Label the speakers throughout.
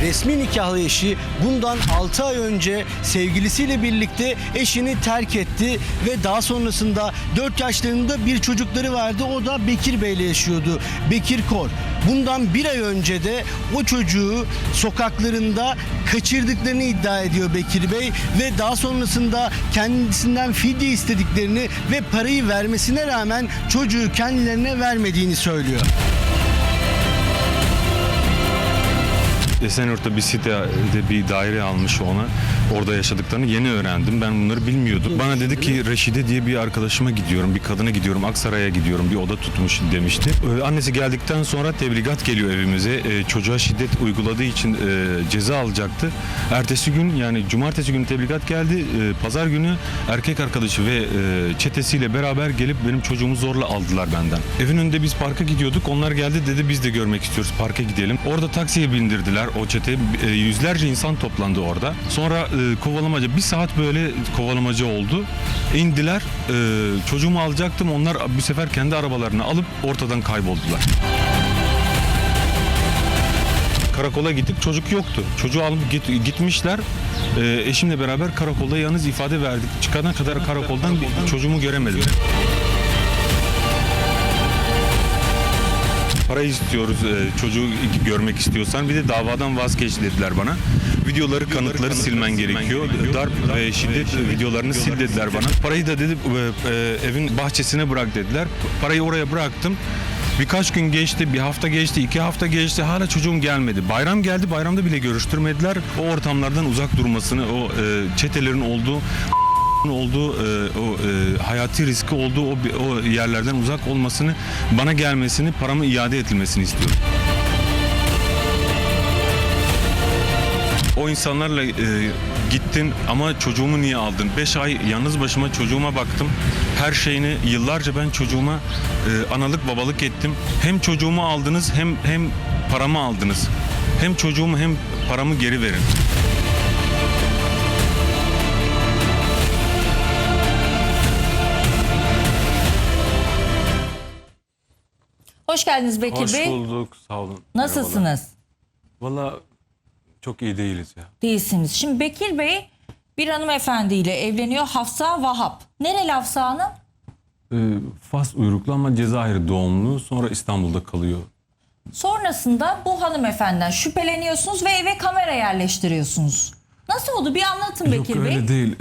Speaker 1: resmi nikahlı eşi bundan 6 ay önce sevgilisiyle birlikte eşini terk etti ve daha sonrasında 4 yaşlarında bir çocukları vardı. O da Bekir Bey'le yaşıyordu. Bekir Kor. Bundan bir ay önce de o çocuğu sokaklarında kaçırdıklarını iddia ediyor Bekir Bey ve daha sonrasında kendisinden fidye istediklerini ve parayı vermesine rağmen çocuğu kendilerine vermediğini söylüyor.
Speaker 2: Esenyurt'ta bir sitede bir daire almış ona. Orada yaşadıklarını yeni öğrendim. Ben bunları bilmiyordum. Bana dedi ki Reşide diye bir arkadaşıma gidiyorum, bir kadına gidiyorum, Aksaray'a gidiyorum, bir oda tutmuş demişti. Annesi geldikten sonra tebligat geliyor evimize. Çocuğa şiddet uyguladığı için ceza alacaktı. Ertesi gün, yani cumartesi günü tebligat geldi. Pazar günü erkek arkadaşı ve çetesiyle beraber gelip benim çocuğumu zorla aldılar benden. Evin önünde biz parka gidiyorduk. Onlar geldi, dedi biz de görmek istiyoruz, parka gidelim. Orada taksiye bindirdiler o çete. Yüzlerce insan toplandı orada. Sonra kovalamaca, bir saat böyle kovalamaca oldu. İndiler. Çocuğumu alacaktım. Onlar bu sefer kendi arabalarını alıp ortadan kayboldular. Karakola gittik, çocuk yoktu. Çocuğu alıp gitmişler. Eşimle beraber karakolda yalnız ifade verdik. Çıkana kadar karakoldan çocuğumu göremedim. Para istiyoruz, çocuğu görmek istiyorsan. Bir de davadan vazgeç dediler bana. Videoları, kanıtları silmen gerekiyor. Darp ve şiddet videolarını sil dediler bana. Parayı da dedi evin bahçesine bırak dediler. Parayı oraya bıraktım. Birkaç gün geçti, bir hafta geçti, 2 hafta geçti. Hala çocuğum gelmedi. Bayram geldi, bayramda bile görüştürmediler. O ortamlardan uzak durmasını, o çetelerin olduğu hayati riski olduğu o yerlerden uzak olmasını, bana gelmesini, paramı iade edilmesini istiyorum. O insanlarla gittin ama çocuğumu niye aldın? 5 ay yalnız başıma çocuğuma baktım. Her şeyini yıllarca ben çocuğuma analık babalık ettim. Hem çocuğumu aldınız hem paramı aldınız. Hem çocuğumu hem paramı geri verin.
Speaker 3: Hoş geldiniz Bekir Bey.
Speaker 2: Hoş bulduk, sağ olun.
Speaker 3: Nasılsınız?
Speaker 2: Valla çok iyi değiliz ya.
Speaker 3: Değilsiniz. Şimdi Bekir Bey bir hanımefendiyle evleniyor. Hafsa Vahap. Nereli Hafsa Hanım?
Speaker 2: Fas uyruklu ama Cezayir doğumlu, sonra İstanbul'da kalıyor.
Speaker 3: Sonrasında bu hanımefendiden şüpheleniyorsunuz ve eve kamera yerleştiriyorsunuz. Nasıl oldu? Bir anlatın Bekir
Speaker 2: Yok
Speaker 3: Bey.
Speaker 2: öyle değil.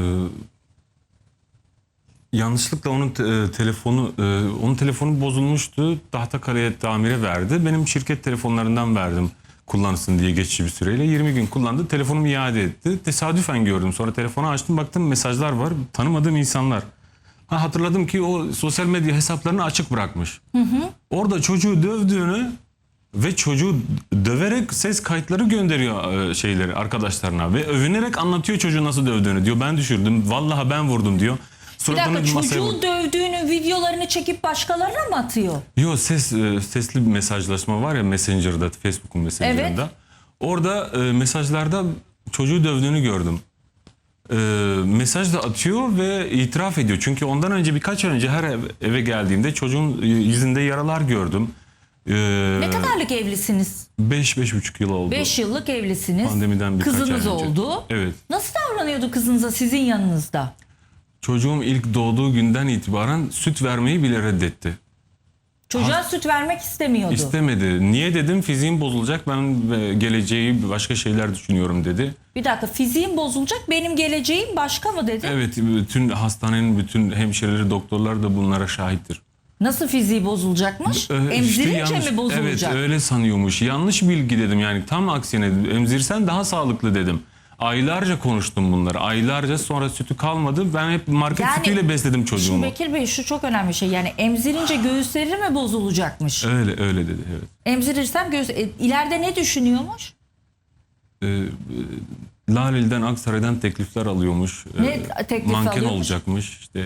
Speaker 2: Yanlışlıkla onun telefonu bozulmuştu. Tahtakale'ye tamire verdi. Benim şirket telefonlarından verdim kullansın diye geçici bir süreyle. 20 gün kullandı. Telefonumu iade etti. Tesadüfen gördüm. Sonra telefonu açtım, baktım mesajlar var. Tanımadığım insanlar. Hatırladım ki o sosyal medya hesaplarını açık bırakmış. Orada çocuğu dövdüğünü ve çocuğu döverek ses kayıtları gönderiyor arkadaşlarına ve övünerek anlatıyor çocuğu nasıl dövdüğünü, diyor. Ben düşürdüm. Vallahi ben vurdum diyor.
Speaker 3: Bir dakika, çocuğu dövdüğünü videolarını çekip başkalarına mı atıyor?
Speaker 2: Yok, sesli bir mesajlaşma var ya Messenger'da, Facebook'un Messenger'ında.
Speaker 3: Evet.
Speaker 2: Orada mesajlarda çocuğu dövdüğünü gördüm. Mesaj da atıyor ve itiraf ediyor. Çünkü ondan önce, birkaç ay önce her eve geldiğimde çocuğun yüzünde yaralar gördüm.
Speaker 3: Ne kadarlık evlisiniz?
Speaker 2: 5,5 yıl oldu.
Speaker 3: 5 yıllık evlisiniz.
Speaker 2: Pandemiden birkaç
Speaker 3: Kızınız
Speaker 2: ay önce.
Speaker 3: oldu.
Speaker 2: Evet.
Speaker 3: Nasıl davranıyordu kızınıza sizin yanınızda?
Speaker 2: Çocuğum ilk doğduğu günden itibaren süt vermeyi bile reddetti.
Speaker 3: Çocuğa süt vermek istemiyordu.
Speaker 2: İstemedi. Niye dedim, fiziğim bozulacak, ben geleceği başka şeyler düşünüyorum dedi.
Speaker 3: Bir dakika, fiziğim bozulacak, benim geleceğim başka mı dedi?
Speaker 2: Evet, bütün hastanenin bütün hemşireleri, doktorlar da bunlara şahittir.
Speaker 3: Nasıl fiziği bozulacakmış? Emzirince mi bozulacak?
Speaker 2: Evet, öyle sanıyormuş. Yanlış bilgi dedim, yani tam aksine emzirsen daha sağlıklı dedim. Aylarca konuştum bunları. Aylarca, sonra sütü kalmadı. Ben hep market sütüyle besledim çocuğumu.
Speaker 3: Şimdi Bekir Bey, şu çok önemli bir şey. Yani emzirince göğüsleri mi bozulacakmış?
Speaker 2: Öyle dedi, evet.
Speaker 3: Emzirirsem ileride ne düşünüyormuş?
Speaker 2: Laleli'den, Aksaray'dan teklifler alıyormuş.
Speaker 3: Ne teklif
Speaker 2: manken
Speaker 3: alıyormuş?
Speaker 2: olacakmış işte.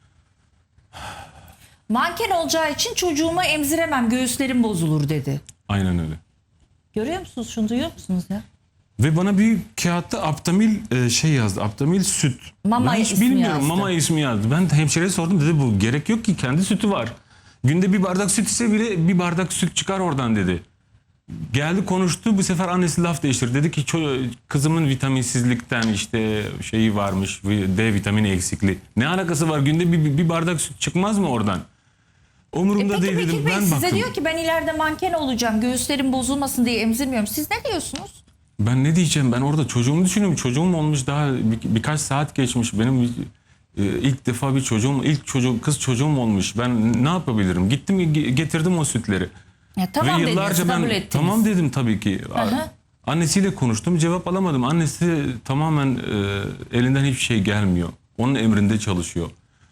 Speaker 3: Manken olacağı için çocuğumu emziremem, göğüslerim bozulur dedi.
Speaker 2: Aynen öyle.
Speaker 3: Görüyor musunuz? Şunu duyuyor musunuz ya?
Speaker 2: Ve bana bir kağıtta Aptamil yazdı. Aptamil süt.
Speaker 3: Mama
Speaker 2: ben hiç
Speaker 3: ismi
Speaker 2: bilmiyorum.
Speaker 3: yazdı.
Speaker 2: Mama ismi yazdı. Ben de hemşireye sordum. Dedi bu gerek yok ki, kendi sütü var. Günde bir bardak süt ise bile bir bardak süt çıkar oradan dedi. Geldi konuştu, bu sefer annesi laf değiştirdi. Dedi ki kızımın vitaminsizlikten işte şeyi varmış, D vitamini eksikliği. Ne alakası var, günde bir bardak süt çıkmaz mı oradan? Umurumda
Speaker 3: Peki
Speaker 2: değil dedim.
Speaker 3: Bekir Bey
Speaker 2: Ben
Speaker 3: size
Speaker 2: baktım.
Speaker 3: diyor ki ben ileride manken olacağım, göğüslerim bozulmasın diye emzirmiyorum. Siz ne diyorsunuz?
Speaker 2: Ben ne diyeceğim, ben orada çocuğumu düşünüyorum. Çocuğum olmuş, daha birkaç saat geçmiş. Benim ilk defa bir çocuğum, kız çocuğum olmuş. Ben ne yapabilirim? Gittim getirdim o sütleri.
Speaker 3: Ya tamam
Speaker 2: Ve
Speaker 3: dediniz,
Speaker 2: yıllarca
Speaker 3: kabul
Speaker 2: ben
Speaker 3: ettiniz.
Speaker 2: tamam dedim tabii ki.
Speaker 3: Aha.
Speaker 2: Annesiyle konuştum, cevap alamadım. Annesi tamamen elinden hiçbir şey gelmiyor. Onun emrinde çalışıyor.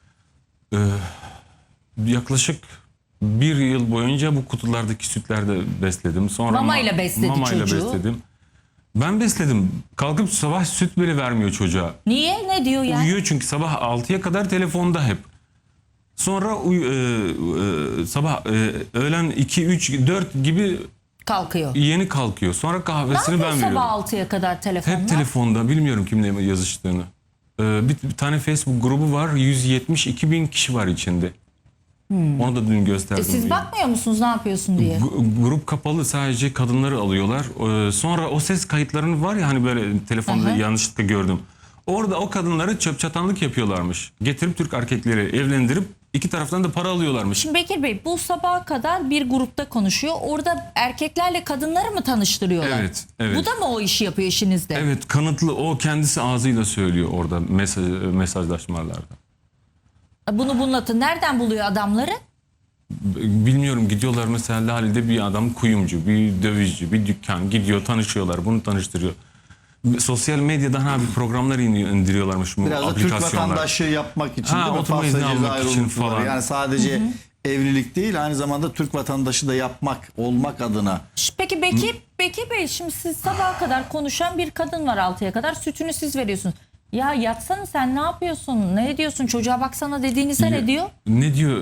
Speaker 2: Yaklaşık bir yıl boyunca bu kutulardaki sütlerde besledim. Sonra
Speaker 3: Mamayla besledi
Speaker 2: mamayla
Speaker 3: çocuğu.
Speaker 2: besledim. Ben besledim. Kalkıp sabah süt bile vermiyor çocuğa.
Speaker 3: Niye? Ne diyor yani?
Speaker 2: Uyuyor çünkü sabah 6'ya kadar telefonda hep. Sonra sabah öğlen 2, 3, 4 gibi
Speaker 3: Kalkıyor.
Speaker 2: yeni kalkıyor. Sonra
Speaker 3: Ne
Speaker 2: kahvesini
Speaker 3: yapıyor
Speaker 2: ben veriyorum.
Speaker 3: sabah 6'ya kadar telefonla?
Speaker 2: Hep telefonda, bilmiyorum kimle yazıştığını. Bir tane Facebook grubu var, 172 bin kişi var içinde. Onu da dün gösterdim.
Speaker 3: Siz bakmıyor musunuz ne yapıyorsun diye?
Speaker 2: Grup kapalı, sadece kadınları alıyorlar. Sonra o ses kayıtlarını var ya hani böyle telefonda
Speaker 3: Aha.
Speaker 2: yanlışlıkla gördüm. Orada o kadınları çöp çatanlık yapıyorlarmış. Getirip Türk erkekleri evlendirip iki taraftan da para alıyorlarmış.
Speaker 3: Şimdi Bekir Bey bu sabaha kadar bir grupta konuşuyor. Orada erkeklerle kadınları mı tanıştırıyorlar?
Speaker 2: Evet, evet.
Speaker 3: Bu da mı o işi yapıyor işinizde?
Speaker 2: Evet, kanıtlı, o kendisi ağzıyla söylüyor orada mesajlaşmalarda.
Speaker 3: Bunu bunlatın. Nereden buluyor adamları?
Speaker 2: Bilmiyorum, gidiyorlar mesela Lale'de bir adam kuyumcu, bir dövizci, bir dükkan gidiyor, tanışıyorlar, bunu tanıştırıyor. Sosyal medyadan bir programlar indiriyorlarmış bu
Speaker 4: Biraz da Türk
Speaker 2: aplikasyonlar.
Speaker 4: vatandaşı yapmak için
Speaker 2: Ha,
Speaker 4: değil mi?
Speaker 2: oturma
Speaker 4: Fasla
Speaker 2: izni almak
Speaker 4: ceza
Speaker 2: için
Speaker 4: ayrımcılığı var.
Speaker 2: falan.
Speaker 4: Yani sadece evlilik değil, aynı zamanda Türk vatandaşı da yapmak, olmak adına.
Speaker 3: Peki Bekir Bey şimdi siz sabaha kadar konuşan bir kadın var 6'ya kadar. Sütünü siz veriyorsunuz. Ya yatsana sen ne yapıyorsun? Ne ediyorsun? Çocuğa baksana dediğinizde ne diyor?
Speaker 2: Ne diyor?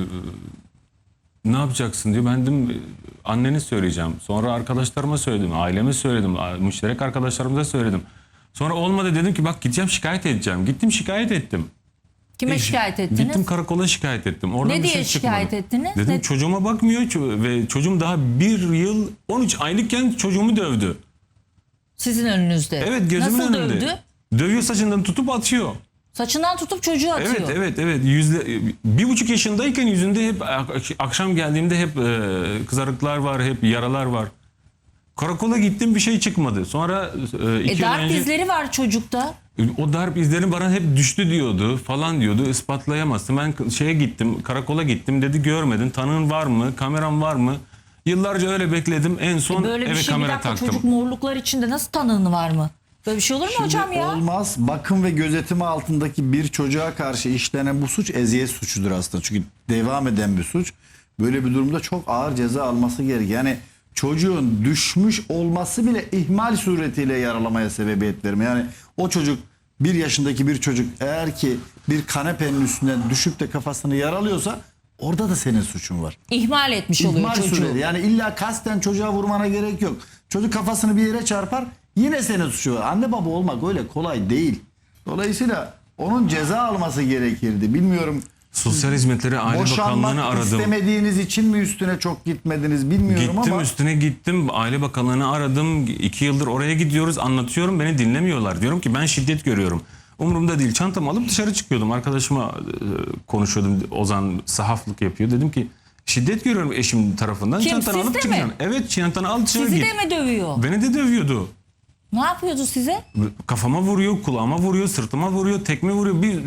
Speaker 2: Ne yapacaksın diyor. Ben dedim annene söyleyeceğim. Sonra arkadaşlarıma söyledim, aileme söyledim, müşterek arkadaşlarımıza söyledim. Sonra olmadı, dedim ki bak gideceğim şikayet edeceğim. Gittim şikayet ettim.
Speaker 3: Kime şikayet ettiniz?
Speaker 2: Gittim karakola şikayet ettim. Oradan
Speaker 3: Ne
Speaker 2: bir
Speaker 3: diye
Speaker 2: şey çıkmadı.
Speaker 3: şikayet ettiniz?
Speaker 2: Dedim
Speaker 3: Ne-
Speaker 2: çocuğuma bakmıyor ve çocuğum daha 1 yıl 13 aylıkken çocuğumu dövdü.
Speaker 3: Sizin önünüzde.
Speaker 2: Evet, gözümün
Speaker 3: Nasıl
Speaker 2: önünde.
Speaker 3: dövdü?
Speaker 2: Dövüyor, saçından tutup atıyor.
Speaker 3: Saçından tutup çocuğu atıyor.
Speaker 2: Evet. 1,5 yaşındayken yüzünde hep akşam geldiğimde hep kızarıklar var, hep yaralar var. Karakola gittim, bir şey çıkmadı. Sonra 2 yıl
Speaker 3: Darp
Speaker 2: önce
Speaker 3: izleri var çocukta.
Speaker 2: o darp izleri bana hep düştü diyordu falan diyordu. Ispatlayamazsın. Ben şeye gittim, karakola gittim, dedi görmedin, tanığın var mı, kameran var mı? Yıllarca öyle bekledim. En son
Speaker 3: Böyle bir
Speaker 2: eve
Speaker 3: şey bir
Speaker 2: kamera
Speaker 3: dakika
Speaker 2: taktım.
Speaker 3: çocuk morluklar içinde nasıl tanığın var mı? Böyle bir şey olur mu
Speaker 4: Şimdi
Speaker 3: hocam ya?
Speaker 4: olmaz. Bakım ve gözetimi altındaki bir çocuğa karşı işlenen bu suç eziyet suçudur aslında. Çünkü devam eden bir suç. Böyle bir durumda çok ağır ceza alması gerekiyor. Yani çocuğun düşmüş olması bile ihmal suretiyle yaralamaya sebebiyet vermiyor. Yani o çocuk, 1 yaşındaki bir çocuk eğer ki bir kanepenin üstünden düşüp de kafasını yaralıyorsa orada da senin suçun var.
Speaker 3: İhmal etmiş oluyor
Speaker 4: İhmal
Speaker 3: çocuğu.
Speaker 4: süreli. Yani illa kasten çocuğa vurmana gerek yok. Çocuk kafasını bir yere çarpar, yine senin suçu var. Anne baba olmak öyle kolay değil. Dolayısıyla onun ceza alması gerekirdi. Bilmiyorum,
Speaker 2: Sosyal Hizmetleri Aile Bakanlığı'nı
Speaker 4: boşanmak
Speaker 2: aradım.
Speaker 4: istemediğiniz için mi üstüne çok gitmediniz bilmiyorum
Speaker 2: Gittim,
Speaker 4: ama
Speaker 2: üstüne gittim. Aile Bakanlığı'nı aradım. 2 yıldır oraya gidiyoruz. Anlatıyorum, beni dinlemiyorlar. Diyorum ki ben şiddet görüyorum. Umurumda değil. Çantamı alıp dışarı çıkıyordum. Arkadaşıma konuşuyordum. Ozan sahaflık yapıyor. Dedim ki şiddet görüyorum eşim tarafından.
Speaker 3: Kim,
Speaker 2: Çantanı
Speaker 3: siz
Speaker 2: alıp
Speaker 3: de mi?
Speaker 2: çıkacaksın. Evet, çantanı al dışarı
Speaker 3: Sizi
Speaker 2: git.
Speaker 3: de mi dövüyor?
Speaker 2: Beni de dövüyordu.
Speaker 3: Ne yapıyordu size?
Speaker 2: Kafama vuruyor, kulağıma vuruyor, sırtıma vuruyor, tekme vuruyor. Bir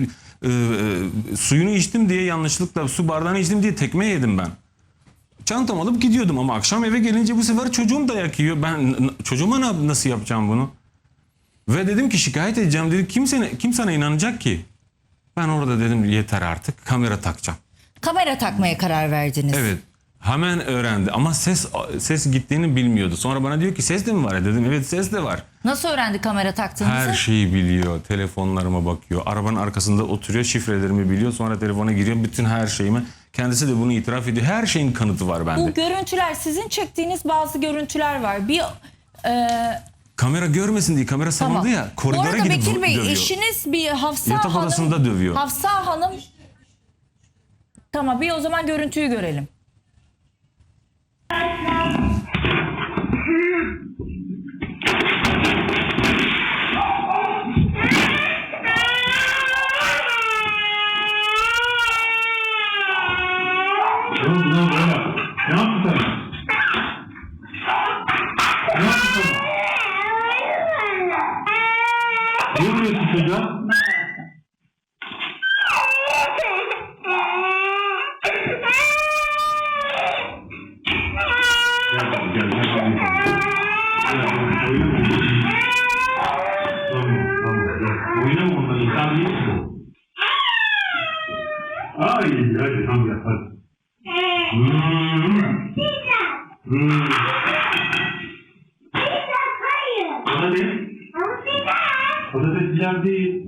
Speaker 2: suyunu içtim diye yanlışlıkla su bardağını içtim diye tekme yedim ben. Çantamı alıp gidiyordum ama akşam eve gelince bu sefer çocuğum dayak yiyor. Ben çocuğuma nasıl yapacağım bunu? Ve dedim ki şikayet edeceğim, dedi. Kim sana inanacak ki? Ben orada dedim yeter artık, kamera takacağım.
Speaker 3: Kamera takmaya karar verdiniz.
Speaker 2: Evet. Hemen öğrendi ama ses gittiğini bilmiyordu. Sonra bana diyor ki ses de mi var? Dedim evet, ses de var.
Speaker 3: Nasıl öğrendi kamera taktığınızı?
Speaker 2: Her şeyi biliyor. Telefonlarıma bakıyor. Arabanın arkasında oturuyor. Şifrelerimi biliyor. Sonra telefona giriyor. Bütün her şeyimi. Kendisi de bunu itiraf ediyor. Her şeyin kanıtı var bende.
Speaker 3: Bu görüntüler sizin çektiğiniz bazı görüntüler var. Bir
Speaker 2: Kamera görmesin diye kamera sanıldı ya.
Speaker 3: Bu
Speaker 2: Koridora
Speaker 3: arada
Speaker 2: gidip
Speaker 3: Bekir Bey
Speaker 2: dövüyor.
Speaker 3: eşiniz bir Hafsa
Speaker 2: Yatak
Speaker 3: Hanım.
Speaker 2: odasında dövüyor.
Speaker 3: Hafsa Hanım. Tamam, bir o zaman görüntüyü görelim.
Speaker 5: Oynama onları. Sen değilsin. Hadi tamam yap hadi. Patates değil.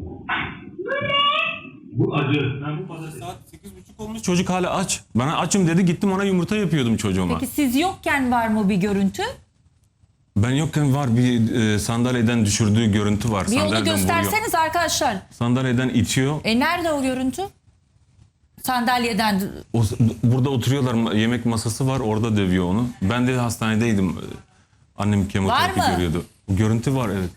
Speaker 5: Bu acı. Ben bu patates.
Speaker 2: Saat 8.30 olmuş. Çocuk hala aç. Bana açım dedi, gittim ona yumurta yapıyordum çocuğuma.
Speaker 3: Peki siz yokken var mı bir görüntü?
Speaker 2: Ben yokken var, bir sandalyeden düşürdüğü görüntü var.
Speaker 3: Bir onu
Speaker 2: Sandalyeden
Speaker 3: gösterseniz arkadaşlar.
Speaker 2: Sandalyeden itiyor.
Speaker 3: Nerede o görüntü? Sandalyeden.
Speaker 2: Burada oturuyorlar, yemek masası var, orada dövüyor onu. Ben de hastanedeydim. Annem kemoterapi
Speaker 3: Var mı?
Speaker 2: görüyordu. O görüntü var, evet.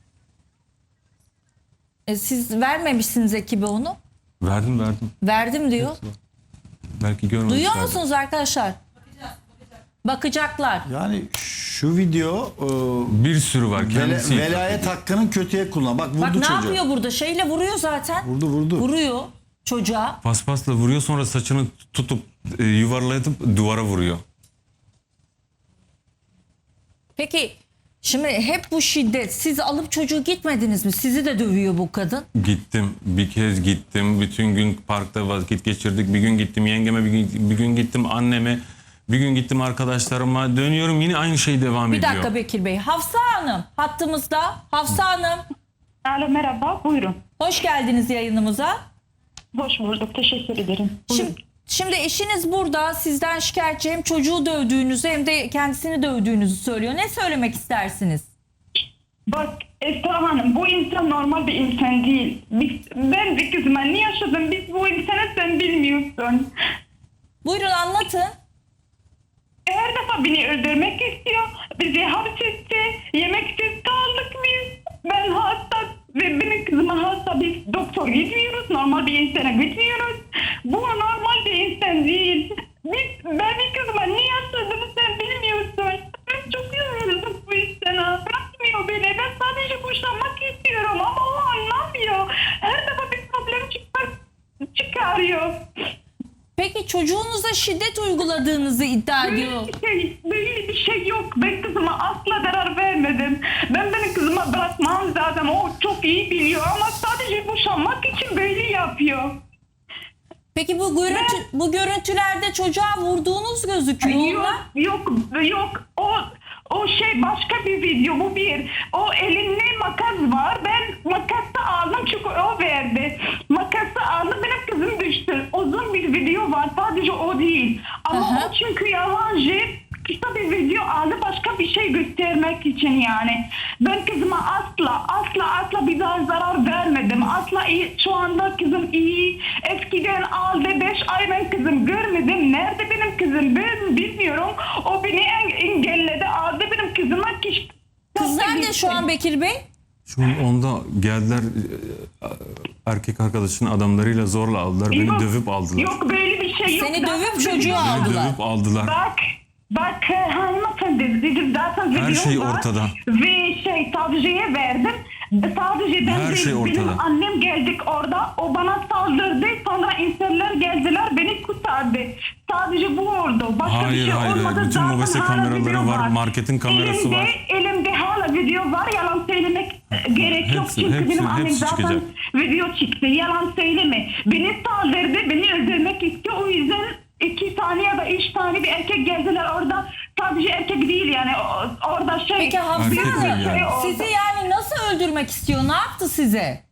Speaker 3: Siz vermemişsiniz ekibe onu.
Speaker 2: Verdim.
Speaker 3: Verdim diyor.
Speaker 2: Belki görmemişler.
Speaker 3: Duyuyor musunuz arkadaşlar? Bakacaklar.
Speaker 4: Yani şu video
Speaker 2: Bir sürü var. Kendisi
Speaker 4: velayet hakkının kötüye kullan. Bak vurdu
Speaker 3: Bak ne
Speaker 4: çocuğu.
Speaker 3: yapıyor burada? Şeyle vuruyor zaten.
Speaker 4: Vurdu.
Speaker 3: Vuruyor çocuğa.
Speaker 2: paspasla vuruyor, sonra saçını tutup yuvarlayıp duvara vuruyor.
Speaker 3: Peki şimdi hep bu şiddet. Siz alıp çocuğu gitmediniz mi? Sizi de dövüyor bu kadın.
Speaker 2: Gittim, bir kez gittim. Bütün gün parkta vakit geçirdik. Bir gün gittim yengeme, bir gün gittim anneme. Bir gün gittim arkadaşlarıma. Dönüyorum, yine aynı şey devam
Speaker 3: Bir
Speaker 2: ediyor.
Speaker 3: dakika Bekir Bey. Hafsa Hanım hattımızda. Hafsa Hanım
Speaker 6: Alo merhaba buyurun.
Speaker 3: hoş geldiniz yayınımıza.
Speaker 6: Hoş bulduk teşekkür ederim. Buyurun.
Speaker 3: Şimdi eşiniz burada sizden şikayetçi, hem çocuğu dövdüğünüzü hem de kendisini dövdüğünüzü söylüyor. Ne söylemek istersiniz?
Speaker 6: Bak Esra Hanım bu insan normal bir insan değil. Ben bir kızıma ne yaşadım biz bu insanı sen bilmiyorsun.
Speaker 3: Buyurun anlatın.
Speaker 6: Her defa beni öldürmek istiyor. Bizi hapsetti. Yemeksiz kaldık biz. Ben hasta ve benim kızıma hasta. Biz doktor gitmiyoruz. Normal bir insana gitmiyoruz. Bu normal bir insan değil. Ben bir kızıma ne yaşadığımı sen bilmiyorsun. Ben çok üzüldüm bu insana. Bırakmıyor beni. Ben sadece boşanmak istiyorum ama o anlamıyor. Her defa bir problem çıkarıyor.
Speaker 3: Peki çocuğunuza şiddet uyguladığınızı iddia ediyor.
Speaker 6: Böyle bir şey yok. Ben kızıma asla zarar vermedim. Ben benim kızıma bırakmam zaten. O çok iyi biliyor ama sadece boşanmak için böyle yapıyor.
Speaker 3: Peki bu görüntülerde çocuğa vurduğunuz gözüküyor.
Speaker 6: Yok. O şey başka bir video. Bu bir. O elinde makas var. Ben makası aldım çünkü o verdi. Makası aldım. Benim kızım düştü. Uzun bir video var. Sadece o değil. Ama o çünkü yalancı. Kısa bir video aldı başka bir şey göstermek için yani. Ben kızıma asla bir daha zarar vermedim. Asla iyi. Şu anda kızım iyi. Eskiden aldı 5 ay ben kızım görmedim. Nerede benim kızım ben bilmiyorum. O beni engelledi. Aldı benim kızıma kişi.
Speaker 3: Kız nerede şu an Bekir Bey?
Speaker 2: Şu an onda geldiler, erkek arkadaşının adamlarıyla zorla aldılar. Beni dövüp aldılar.
Speaker 6: Yok böyle bir şey yok.
Speaker 3: Seni
Speaker 6: Zaten
Speaker 3: dövüp
Speaker 6: video
Speaker 3: çocuğu
Speaker 6: var.
Speaker 3: aldılar.
Speaker 2: Dövüp aldılar.
Speaker 6: Bak hanımefendi dedim zaten
Speaker 2: Her
Speaker 6: video
Speaker 2: şey
Speaker 6: var.
Speaker 2: ortada.
Speaker 6: Ve savcıya verdim. Sadece ben
Speaker 2: Her şey ortada.
Speaker 6: benim annem geldik orada. O bana saldırdı. Sonra insanlar geldiler beni kurtardı. Sadece bu oldu. Başka bir şey olmadı.
Speaker 2: Bütün
Speaker 6: Zaten
Speaker 2: mobese
Speaker 6: hala
Speaker 2: kameraları
Speaker 6: video
Speaker 2: var, marketin kamerası var.
Speaker 6: Elimde hala video var. Yalan söylemek gerek yok.
Speaker 2: Hepsi,
Speaker 6: Çünkü
Speaker 2: hepsi,
Speaker 6: benim annem
Speaker 2: hepsi
Speaker 6: zaten
Speaker 2: çıkacak.
Speaker 6: video çıktı. Yalan söyleme. Beni saldırdı. Beni öldürmek istiyor. O yüzden 2 tane ya da 3 tane bir erkek geldiler orada. Sadece erkek değil yani. Orada şey.
Speaker 3: Peki Hafsa
Speaker 2: Erkek
Speaker 3: Hanım
Speaker 2: değil yani.
Speaker 3: sizi yani nasıl öldürmek istiyor? Ne yaptı size?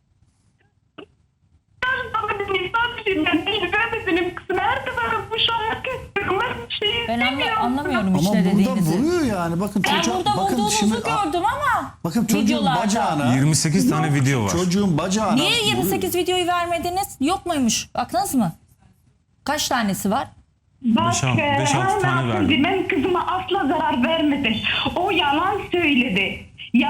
Speaker 6: Sadece ben değil. Ben de benim kızım. Her defa boşanmak istiyorum. Ben bir şey
Speaker 3: Ben
Speaker 6: istemiyorum.
Speaker 3: anlamıyorum
Speaker 4: Ama
Speaker 3: işte
Speaker 4: burada
Speaker 3: dediğinizi.
Speaker 4: vuruyor yani. Bakın
Speaker 3: Ben
Speaker 4: çocuğa,
Speaker 3: burada
Speaker 4: bakın
Speaker 3: vurduğunuzu
Speaker 4: şimdi
Speaker 3: gördüm ama
Speaker 4: bakın çocuğun
Speaker 3: videolarda.
Speaker 4: bacağına
Speaker 2: 28 tane video var.
Speaker 4: çocuğun bacağına
Speaker 3: Niye 28 videoyu vermediniz? Yok muymuş? Baktınız mı? Kaç tanesi var?
Speaker 6: Bak,
Speaker 2: 5-6 tane verdim.
Speaker 6: Ben kızıma asla zarar vermedim. O yalan söyledi.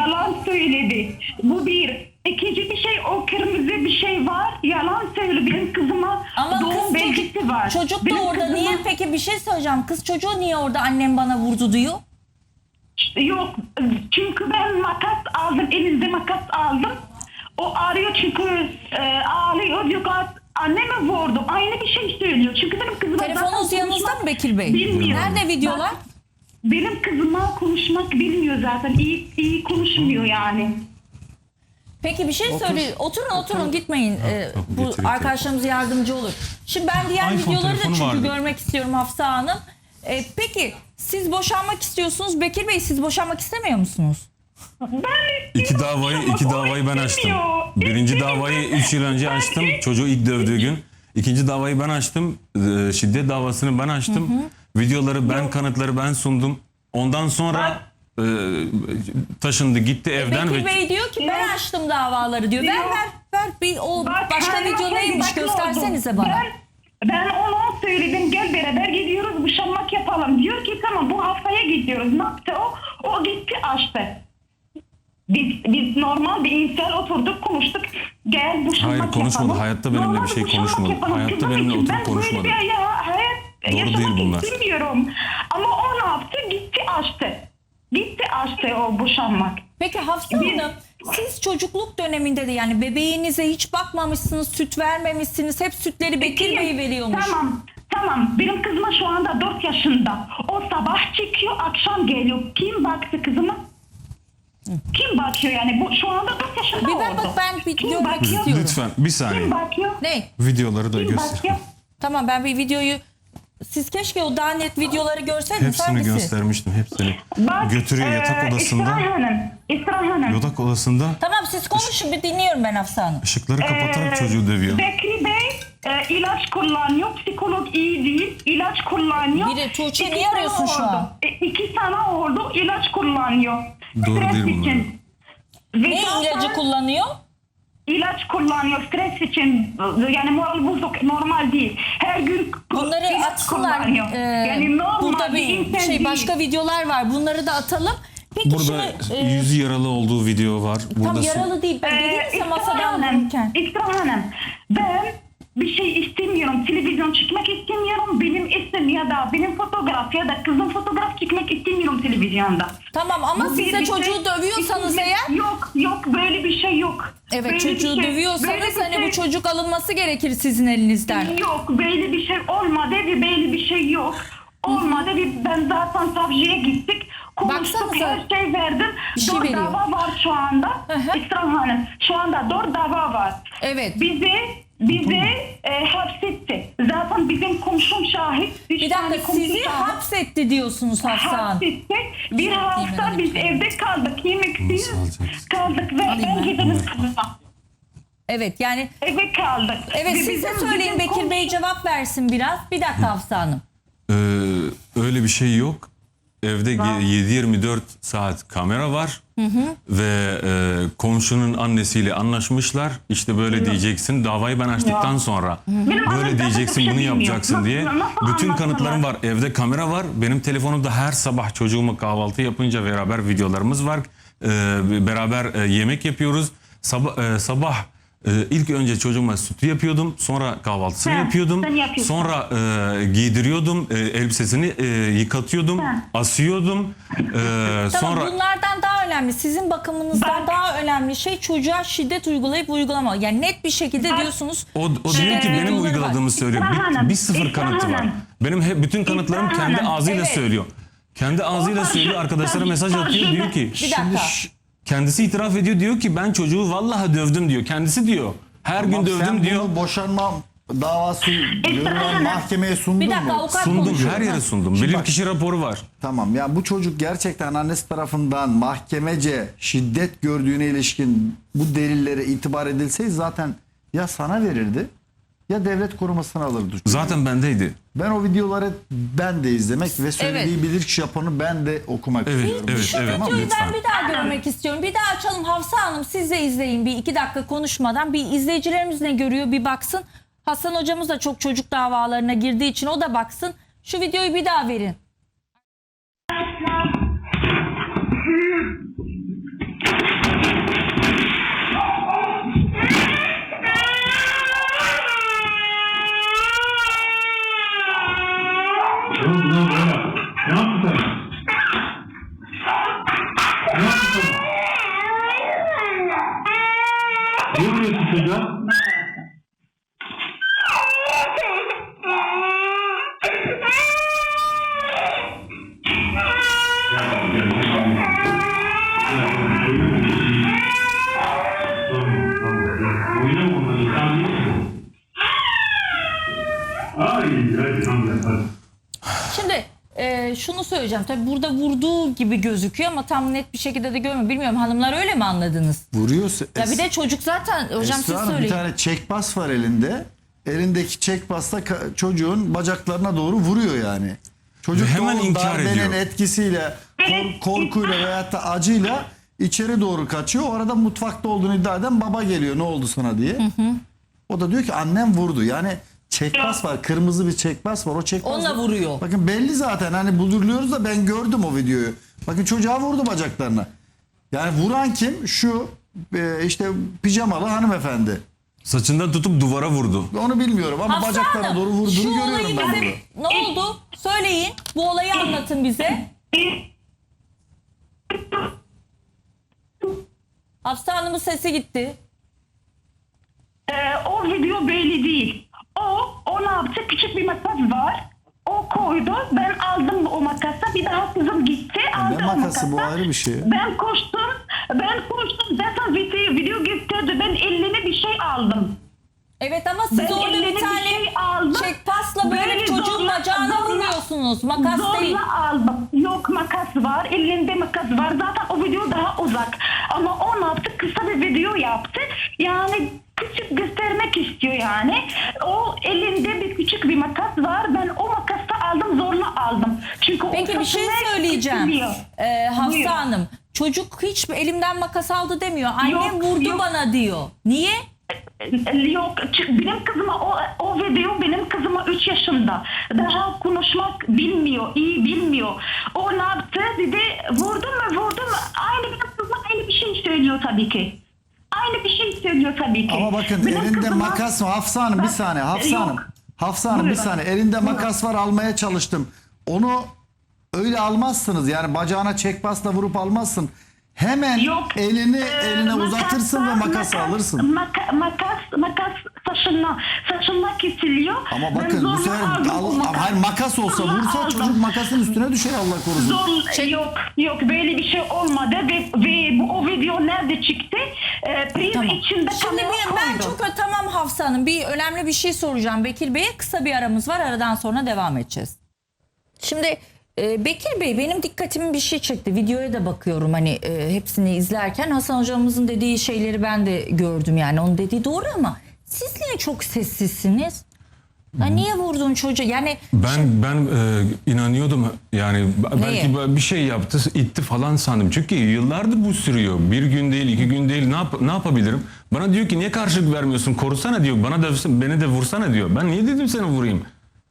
Speaker 6: Bu bir. İkinci bir şey, o kırmızı bir şey var. Yalan söyledi. Benim kızıma
Speaker 3: Ama
Speaker 6: doğum belgesi var.
Speaker 3: çocuk da
Speaker 6: Benim
Speaker 3: orada.
Speaker 6: kızıma-
Speaker 3: Niye peki bir şey söyleyeceğim. Kız çocuğu niye orada annem bana vurdu diyor?
Speaker 6: Yok. Çünkü ben makas aldım. Elimde makas aldım. O arıyor çünkü ağlıyor. Diyor ki anneme vurdu. Aynı bir şey söylüyor. Çünkü benim kızıma
Speaker 3: Telefonunuz
Speaker 6: zaten
Speaker 3: yanınızda
Speaker 6: konuşmak
Speaker 3: mı Bekir Bey?
Speaker 6: bilmiyor.
Speaker 3: Nerede videolar?
Speaker 6: benim kızıma konuşmak bilmiyor zaten. İyi konuşmuyor yani.
Speaker 3: Peki bir şey söyle. Oturun gitmeyin. Bu
Speaker 2: getireyim
Speaker 3: arkadaşlarımız yardımcı olur. Şimdi ben diğer
Speaker 2: iPhone
Speaker 3: videoları da
Speaker 2: telefonu
Speaker 3: çünkü
Speaker 2: vardı.
Speaker 3: görmek istiyorum Hafsa Hanım. Peki siz boşanmak istiyorsunuz. Bekir Bey siz boşanmak istemiyor musunuz?
Speaker 2: İki davayı ben açtım. Birinci davayı 3 yıl önce açtım. Çocuğu ilk dövdüğü gün. İkinci davayı ben açtım. Şiddet davasını ben açtım. Videoları ben, kanıtları ben sundum. Ondan sonra taşındı gitti evden
Speaker 3: Bekir Bey diyor ki ben açtım davaları diyor. Ver bir o başka video neymiş göstersenize bana.
Speaker 6: Ben ona söyledim gel beraber gidiyoruz boşanmak yapalım. Diyor ki tamam bu haftaya gidiyoruz. Ne yaptı o? O gitti açtı. Biz normal bir insan oturduk konuştuk. Gel boşanmak
Speaker 2: Hayır, konuşmadı.
Speaker 6: yapalım.
Speaker 2: Hayatta benimle
Speaker 6: Normal
Speaker 2: bir şey
Speaker 6: boşanmak
Speaker 2: konuşmadı.
Speaker 6: yapalım.
Speaker 2: Hayatta
Speaker 6: Kızım
Speaker 2: benimle
Speaker 6: için
Speaker 2: oturup
Speaker 6: ben
Speaker 2: konuşmadı.
Speaker 6: böyle bir hayat
Speaker 2: Doğru
Speaker 6: yaşamak
Speaker 2: değil bunlar.
Speaker 6: istemiyorum. Ama o ne yaptı? Gitti açtı. Gitti açtı o boşanmak.
Speaker 3: Peki Hafsa Hanım siz çocukluk döneminde de yani bebeğinize hiç bakmamışsınız, süt vermemişsiniz. Hep sütleri Bekir Bey veriyormuş.
Speaker 6: Tamam. Benim kızıma şu anda 4 yaşında. O sabah çıkıyor, akşam geliyor. Kim baktı kızıma? Kim bakıyor yani? Bu şu anda 4 yaşında
Speaker 3: Bir
Speaker 6: oldu.
Speaker 3: ben bir
Speaker 6: Kim
Speaker 3: görmek
Speaker 6: bakıyor?
Speaker 3: istiyorum.
Speaker 2: Lütfen bir saniye.
Speaker 6: Kim bakıyor?
Speaker 3: Ne?
Speaker 2: Videoları da
Speaker 6: Kim
Speaker 2: göster.
Speaker 6: bakıyor?
Speaker 3: Tamam ben bir videoyu siz keşke o daha net videoları görseydiniz.
Speaker 2: Hepsini
Speaker 3: Hangisi?
Speaker 2: göstermiştim. Hepsini.
Speaker 6: Bak,
Speaker 2: Götürüyor yatak odasında.
Speaker 6: İsra Hanım.
Speaker 2: Yatak odasında
Speaker 3: Tamam siz konuşun bir dinliyorum ben Hafsa Hanım.
Speaker 2: ışıkları kapatarak çocuğu dövüyor.
Speaker 6: Bekri Bey ilaç kullanıyor. Psikolog iyi değil. İlaç kullanıyor.
Speaker 3: Biri Tuğçe,
Speaker 6: 2
Speaker 3: niye
Speaker 6: sene
Speaker 3: arıyorsun şu
Speaker 6: oldu.
Speaker 3: an?
Speaker 6: 2 sene oldu ilaç kullanıyor.
Speaker 2: Doğru
Speaker 6: Stres
Speaker 2: değil bunlar.
Speaker 6: için.
Speaker 3: Ne
Speaker 6: Ve zaten
Speaker 3: ilacı kullanıyor?
Speaker 6: İlaç kullanıyor stres için. Yani moral bozuk normal değil. Her gün
Speaker 3: Bunları
Speaker 6: ilaç
Speaker 3: atsınlar.
Speaker 6: kullanıyor. Yani normal
Speaker 3: Burada bir
Speaker 6: insan
Speaker 3: şey
Speaker 6: değil.
Speaker 3: başka videolar var. Bunları da atalım. Peki
Speaker 2: Burada
Speaker 3: şimdi
Speaker 2: yüzü yaralı olduğu video var. Burada
Speaker 3: tam yaralı değil. Ben dediniz ya masadan vururken.
Speaker 6: İsra Hanım, ben bir şey istemiyorum. Televizyon çekmek istemiyorum. Benim isim ya da benim fotoğraf ya da kızım fotoğraf çekmek istemiyorum televizyonda.
Speaker 3: Tamam ama
Speaker 6: Bu
Speaker 3: siz
Speaker 6: bir
Speaker 3: de
Speaker 6: şey-
Speaker 3: çocuğu dövüyorsanız eğer.
Speaker 6: Yok böyle bir şey yok.
Speaker 3: Evet
Speaker 6: Böyle bir
Speaker 3: çocuğu
Speaker 6: şey-
Speaker 3: dövüyorsanız
Speaker 6: böyle bir
Speaker 3: hani bu
Speaker 6: şey-
Speaker 3: çocuk alınması gerekir sizin elinizden.
Speaker 6: Yok böyle bir şey olmadı ve böyle bir şey yok. Olmadı ve ben zaten savcıya gittik. Konuştuk
Speaker 3: Baksanıza.
Speaker 6: her şey verdim.
Speaker 3: Bir şey
Speaker 6: 4
Speaker 3: veriyor.
Speaker 6: dava var şu anda.
Speaker 3: hı.
Speaker 6: İsra Hanım şu anda 4 dava var.
Speaker 3: Evet.
Speaker 6: Bizi hapsetti. Zaten bizim komşum şahit.
Speaker 3: Bir dakika sizi hapsetti diyorsunuz Hafsa Hanım.
Speaker 6: hapsetti. Bir hafta biz evde kaldık. Yemeksiz
Speaker 2: alacaksın?
Speaker 6: kaldık ve ben gidelim kızıma.
Speaker 3: Evet yani
Speaker 6: Eve kaldık.
Speaker 3: evet
Speaker 6: Ve
Speaker 3: siz de
Speaker 6: bizim-
Speaker 3: söyleyin
Speaker 6: bizim
Speaker 3: Bekir Bey cevap versin biraz. Bir dakika Hafsa Hanım.
Speaker 2: Öyle bir şey yok. Evde 7-24 saat kamera var. Ve komşunun annesiyle anlaşmışlar. İşte böyle diyeceksin. Davayı ben açtıktan sonra
Speaker 6: Benim annem
Speaker 2: böyle
Speaker 6: zaten
Speaker 2: diyeceksin,
Speaker 6: bir şey
Speaker 2: bunu
Speaker 6: bilmiyor.
Speaker 2: yapacaksın diye.
Speaker 6: Nasıl
Speaker 2: Bütün
Speaker 6: anlattılar?
Speaker 2: kanıtlarım var. Evde kamera var. Benim telefonumda her sabah çocuğuma kahvaltı yapınca beraber videolarımız var. Beraber yemek yapıyoruz. Sabah ilk önce çocuğuma sütü yapıyordum. Sonra kahvaltısını
Speaker 6: He,
Speaker 2: yapıyordum.
Speaker 6: sen yapıyorsun.
Speaker 2: Sonra giydiriyordum. Elbisesini yıkatıyordum. Asıyordum.
Speaker 3: Tamam
Speaker 2: Sonra
Speaker 3: bunlardan daha önemli. Sizin bakımınızdan
Speaker 6: Bak.
Speaker 3: daha önemli şey çocuğa şiddet uygulayıp uygulama. Yani net bir şekilde diyorsunuz.
Speaker 2: o diyor ki benim
Speaker 3: videoları var.
Speaker 2: uyguladığımı söylüyor. Bir sıfır
Speaker 6: İsra
Speaker 2: kanıtı var.
Speaker 6: Hanım.
Speaker 2: Benim bütün kanıtlarım
Speaker 6: İsra
Speaker 2: kendi
Speaker 6: Hanım,
Speaker 2: ağzıyla
Speaker 3: evet.
Speaker 2: söylüyor. Kendi ağzıyla söylüyor. Arkadaşlara mesaj atıyor. Diyor ki
Speaker 3: Bir dakika.
Speaker 2: kendisi itiraf ediyor. Diyor ki ben çocuğu vallahi dövdüm diyor. Kendisi diyor. Her gün dövdüm
Speaker 4: Sen
Speaker 2: diyor.
Speaker 4: bunu boşanma davası
Speaker 6: Hanım.
Speaker 4: mahkemeye sundun
Speaker 3: Bir dakika
Speaker 4: mu?
Speaker 3: avukat
Speaker 2: Sundum.
Speaker 3: konuşuyor.
Speaker 2: Her yere sundum.
Speaker 4: Şimdi
Speaker 2: Bilirkişi raporu var.
Speaker 4: Tamam ya bu çocuk gerçekten annesi tarafından mahkemece şiddet gördüğüne ilişkin bu delillere itibar edilseydi zaten ya sana verirdi ya devlet korumasına alırdı.
Speaker 2: Zaten bendeydi.
Speaker 4: Ben o videoları ben de izlemek ve söylediği bilirkişi raporunu ben de okumak istiyorum.
Speaker 2: Evet,
Speaker 3: Şu
Speaker 2: evet.
Speaker 3: videoyu
Speaker 2: Lütfen.
Speaker 3: ben bir daha görmek istiyorum. Bir daha açalım Hafsa Hanım siz de izleyin bir 2 dakika konuşmadan. Bir izleyicilerimiz ne görüyor bir baksın. Hasan hocamız da çok çocuk davalarına girdiği için o da baksın. Şu videoyu bir daha verin.
Speaker 5: Ne oldu lan böyle? Ne yaptın sen? Ne yaptın sen? Ne vuruyorsun çocuğa?
Speaker 3: şunu söyleyeceğim. Tabii burada vurduğu gibi gözüküyor ama tam net bir şekilde de görmüyorum. Bilmiyorum, hanımlar öyle mi anladınız?
Speaker 4: Vuruyorsa
Speaker 3: Ya bir de çocuk zaten hocam siz
Speaker 4: Esra Hanım, bir
Speaker 3: söyleyin.
Speaker 4: tane çekbas var elinde. Elindeki çekbasla çocuğun bacaklarına doğru vuruyor yani. Çocuk
Speaker 2: Ve hemen
Speaker 4: da o
Speaker 2: inkar
Speaker 4: darbenin
Speaker 2: ediyor.
Speaker 4: etkisiyle, korkuyla veyahut da acıyla içeri doğru kaçıyor. O arada mutfakta olduğunu iddia eden baba geliyor, ne oldu sana diye. O da diyor ki annem vurdu. Yani çekbas var, kırmızı bir çekbas var. O çekbas
Speaker 3: Onunla vuruyor.
Speaker 4: Bakın belli zaten, hani bulduruyoruz da ben gördüm o videoyu. Bakın çocuğa vurdu bacaklarına. Yani vuran kim? Şu işte pijamalı hanımefendi.
Speaker 2: Saçından tutup duvara vurdu.
Speaker 4: Onu bilmiyorum ama
Speaker 3: Hafsa
Speaker 4: bacaklarına
Speaker 3: Hanım,
Speaker 4: doğru vurduğunu
Speaker 3: şu
Speaker 4: görüyorum
Speaker 3: olayı
Speaker 4: ben
Speaker 3: bize
Speaker 4: burada.
Speaker 3: ne oldu? Söyleyin. Bu olayı anlatın bize. Hafsa Hanım'ın sesi gitti.
Speaker 6: O video belli değil. O ne yaptı? Küçük bir makas var. O koydu. Ben aldım o makası. Bir daha kızım gitti. Aldı
Speaker 4: Ne
Speaker 6: o
Speaker 4: makası, bu
Speaker 6: makası.
Speaker 4: ayrı bir şey.
Speaker 6: Ben koştum. Zaten video gösterdi. Ben eline bir şey aldım.
Speaker 3: Evet ama siz
Speaker 6: Ben
Speaker 3: orada
Speaker 6: elime
Speaker 3: bir
Speaker 6: bir
Speaker 3: tane
Speaker 6: şey aldım.
Speaker 3: çekpasla böyle
Speaker 6: Böyle
Speaker 3: çocuğun bacağına vuruyorsunuz. Makas değil.
Speaker 6: Zorla aldım. Yok, makas var. Elinde makas var. Zaten o video daha uzak. Ama o ne yaptı? Kısa bir video yaptı. Yani küçük göstermek istiyor yani. O elinde bir küçük bir makas var. Ben o makası aldım, zorla aldım. Çünkü o
Speaker 3: Peki bir şey
Speaker 6: saçını
Speaker 3: söyleyeceğim.
Speaker 6: kesiliyor.
Speaker 3: Hafsa
Speaker 6: Buyurun.
Speaker 3: Hanım. Çocuk hiç elimden makas aldı demiyor. Annem
Speaker 6: Yok,
Speaker 3: vurdu
Speaker 6: yok.
Speaker 3: bana diyor. Niye?
Speaker 6: Yok, benim kızıma o video benim kızıma 3 yaşında. Daha konuşmak bilmiyor, iyi bilmiyor. O ne yaptı? Dedi vurdu mu? Aynı benim kızıma aynı bir şey söylüyor tabii ki. Aynı bir şey söylüyor tabii ki.
Speaker 4: Ama bakın
Speaker 6: Benim
Speaker 4: elinde
Speaker 6: kızıma-
Speaker 4: makas var. Hafsa Hanım bir
Speaker 6: Bak,
Speaker 4: saniye. Hafsa
Speaker 6: yok.
Speaker 4: Hanım. Hafsa Hanım bir
Speaker 6: Buyurun.
Speaker 4: saniye. Elinde
Speaker 6: Buyurun.
Speaker 4: makas var, almaya çalıştım. Onu öyle almazsınız. Yani bacağına çekbasla vurup almazsın. Hemen
Speaker 6: Yok.
Speaker 4: eline
Speaker 6: Makasla-
Speaker 4: uzatırsın ve makası alırsın.
Speaker 6: Makas saçına kesiliyor.
Speaker 4: Ama
Speaker 6: Ben
Speaker 4: bakın bu
Speaker 6: zorla
Speaker 4: sefer
Speaker 6: aldım o makası.
Speaker 4: hayır, makas olsa
Speaker 6: Zorla
Speaker 4: vursa
Speaker 6: aldım.
Speaker 4: çocuk makasın üstüne düşer, Allah korusun.
Speaker 6: Yok böyle bir şey olmadı ve o video nerede çıktı? Priz
Speaker 3: Tamam.
Speaker 6: içinde
Speaker 3: Şimdi
Speaker 6: kamera
Speaker 3: ben
Speaker 6: koydu.
Speaker 3: çok tamam Hafsa Hanım, bir önemli bir şey soracağım Bekir Bey'e. Kısa bir aramız var, aradan sonra devam edeceğiz. Şimdi Bekir Bey, benim dikkatimi bir şey çekti. Videoya da bakıyorum hani hepsini izlerken. Hasan hocamızın dediği şeyleri ben de gördüm, yani onun dediği doğru ama siz niye çok sessizsiniz? Ya niye vurdun çocuğu? Yani
Speaker 2: Ben inanıyordum yani
Speaker 3: Neye?
Speaker 2: belki bir şey yaptı, itti falan sandım. Çünkü yıllardır bu sürüyor. Bir gün değil, 2 gün değil. Ne yapabilirim? Bana diyor ki niye karşılık vermiyorsun? Korusana diyor. Bana dövsün, beni de vursana diyor. Ben niye dedim sana vurayım?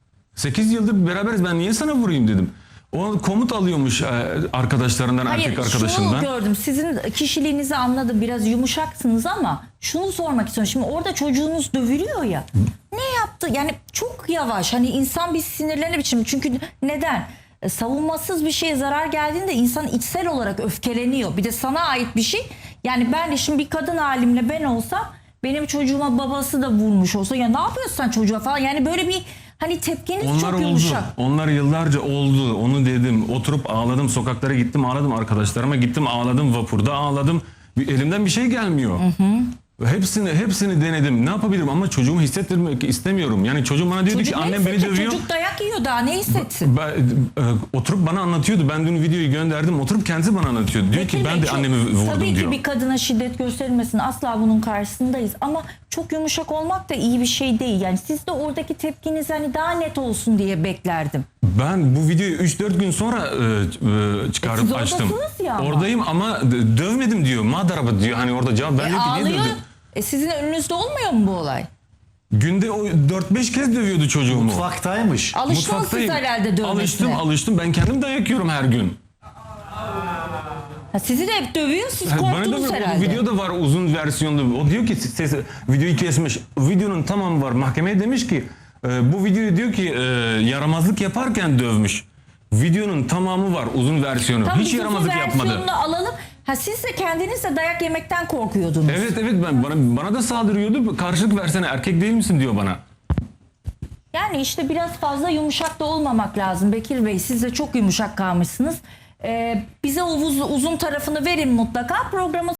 Speaker 2: 8 yıldır beraberiz, ben niye sana vurayım dedim. O komut alıyormuş arkadaşlarından, erkek arkadaşından.
Speaker 3: şunu gördüm. Sizin kişiliğinizi anladım. Biraz yumuşaksınız ama şunu sormak istiyorum. Şimdi orada çocuğunuz dövülüyor ya. Ne yaptı? Yani çok yavaş. Hani insan bir sinirlenir biçim. Çünkü neden? Savunmasız bir şeye zarar geldiğinde insan içsel olarak öfkeleniyor. Bir de sana ait bir şey. Yani ben de şimdi bir kadın halimle ben olsam, benim çocuğuma babası da vurmuş olsa, ya ne yapıyorsun sen çocuğa falan. Yani böyle bir hani tepkiniz
Speaker 2: Onlar
Speaker 3: çok
Speaker 2: oldu.
Speaker 3: yumuşak.
Speaker 2: Onlar yıllarca oldu. Onu dedim. Oturup ağladım. Sokaklara gittim ağladım. Arkadaşlarıma gittim ağladım. Vapurda ağladım. Elimden bir şey gelmiyor. Hepsini denedim. Ne yapabilirim ama çocuğumu hissettirmek istemiyorum. Yani çocuğum bana diyordu
Speaker 3: Çocuk
Speaker 2: ki
Speaker 3: ne
Speaker 2: annem beni
Speaker 3: hissedecek?
Speaker 2: dövüyor.
Speaker 3: Çocuk dayak yiyor, daha ne hissetsin?
Speaker 2: Oturup bana anlatıyordu. Ben dün videoyu gönderdim. Oturup kendisi bana anlatıyordu. Diyor ki
Speaker 3: Bekir
Speaker 2: ben
Speaker 3: Bey,
Speaker 2: de
Speaker 3: çok-
Speaker 2: annemi vurdum
Speaker 3: tabii
Speaker 2: diyor.
Speaker 3: ki bir kadına şiddet gösterilmesin, asla bunun karşısındayız ama çok yumuşak olmak da iyi bir şey değil. Yani siz de oradaki tepkiniz hani daha net olsun diye beklerdim.
Speaker 2: Ben bu videoyu 3-4 gün sonra çıkarıp
Speaker 3: siz
Speaker 2: açtım.
Speaker 3: oradasınız ya ama.
Speaker 2: Oradayım ama dövmedim diyor. Madaraba diyor. Hani orada cevap ben diyor ki niye
Speaker 3: Ağlıyor.
Speaker 2: dövdün?
Speaker 3: Sizin önünüzde olmuyor mu bu olay?
Speaker 2: Günde o 4-5 kez dövüyordu çocuğumu.
Speaker 4: Mutfaktaymış.
Speaker 3: Alıştınız siz herhalde dövmesine.
Speaker 2: Alıştım. Ben kendim dayak yiyorum her gün.
Speaker 3: Ha, sizi de hep dövüyor, siz
Speaker 2: Bana
Speaker 3: korktunuz
Speaker 2: da
Speaker 3: herhalde.
Speaker 2: video da var uzun versiyonda. O diyor ki videoyu kesmiş. Videonun tamamı var. Mahkemeye demiş ki bu videoyu diyor ki yaramazlık yaparken dövmüş. Videonun tamamı var, uzun versiyonu.
Speaker 3: Tam
Speaker 2: Hiç
Speaker 3: uzun
Speaker 2: yaramazlık yapmadı.
Speaker 3: versiyonunu alalım. Ha, siz de kendiniz de dayak yemekten korkuyordunuz.
Speaker 2: Evet bana da saldırıyordu. Karşılık versene, erkek değil misin diyor bana.
Speaker 3: Yani işte biraz fazla yumuşak da olmamak lazım Bekir Bey. Siz de çok yumuşak kalmışsınız. Bize o uzun tarafını verin mutlaka. Programı